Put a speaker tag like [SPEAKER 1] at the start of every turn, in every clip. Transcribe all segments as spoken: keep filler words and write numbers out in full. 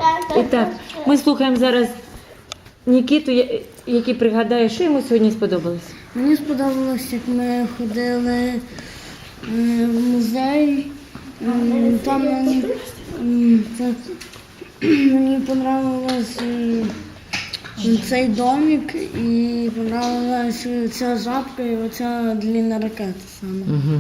[SPEAKER 1] І так, ми слухаємо зараз Нікіту, я- який пригадає, що йому сьогодні сподобалось.
[SPEAKER 2] Мені сподобалось, як ми ходили е, в музей. М, Там мені, м, це- мені подобалось е, цей домик і подобалась ця жабка і оця длинна ракета саме.
[SPEAKER 1] Угу.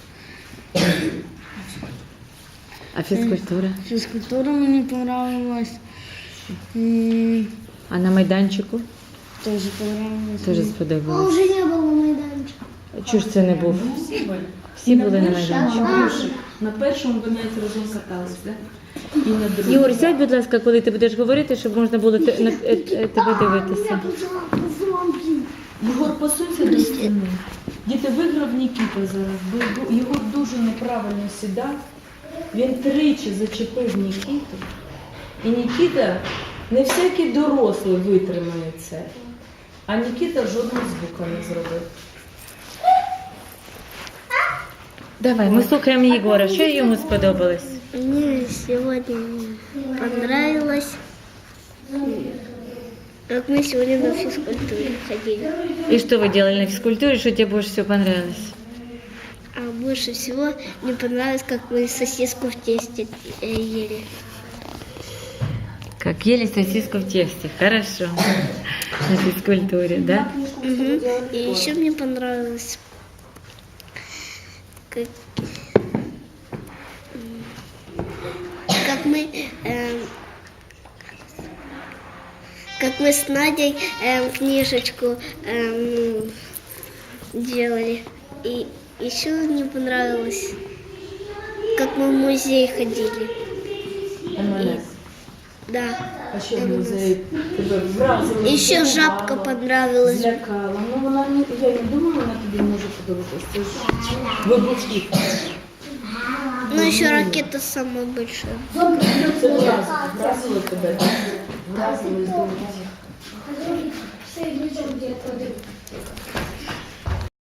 [SPEAKER 1] А фізкультура?
[SPEAKER 2] Фізкультура мені подобалась. І
[SPEAKER 1] А на майданчику?
[SPEAKER 2] теж подобалось.
[SPEAKER 1] Теж сподобалось.
[SPEAKER 3] Уже не было майданчика.
[SPEAKER 1] Чого ж це не був?
[SPEAKER 4] Всі були.
[SPEAKER 1] Всі були на майданчику.
[SPEAKER 4] На першому ви навіть разом катались, так? І на другому.
[SPEAKER 1] Ігор, сядь, будь ласка, коли ти будеш говорити, щоб можна було те- на- е- е- тебе дивитися.
[SPEAKER 4] Єгор, посунься до стіни. Діти, виграв Нікіта зараз, бо бо його дуже неправильно сідав. Він тричі зачепив Нікіту. І Нікіта, не всякий дорослий витримає це. А Нікіта жодного звука не зробив.
[SPEAKER 1] Давай, ми слухаємо Єгора. Що йому сподобалось?
[SPEAKER 3] Мне сегодня понравилось, как мы сегодня на физкультуре ходили.
[SPEAKER 1] И что вы делали на физкультуре, что тебе больше всего понравилось?
[SPEAKER 3] А больше всего мне понравилось, как мы сосиску в тесте э, ели.
[SPEAKER 1] Как ели сосиску в тесте. Хорошо. На физкультуре, да?
[SPEAKER 3] Мгм. И еще мне понравилось, как, м, как мы, эм, как мы с Надей эм, книжечку эм, делали. И еще мне понравилось, как мы в музей ходили.
[SPEAKER 4] У мене.
[SPEAKER 3] Да.
[SPEAKER 4] А ще в музеї тебе вразили.
[SPEAKER 3] Еще жабка понравилась.
[SPEAKER 4] Злякала. Ну вона не, я не думала, вона тобі може подобатися. Це ж вибухів.
[SPEAKER 3] Ну еще ракета самая большая.
[SPEAKER 4] Це вразило, вразило тебе, так? Вразило і здорово.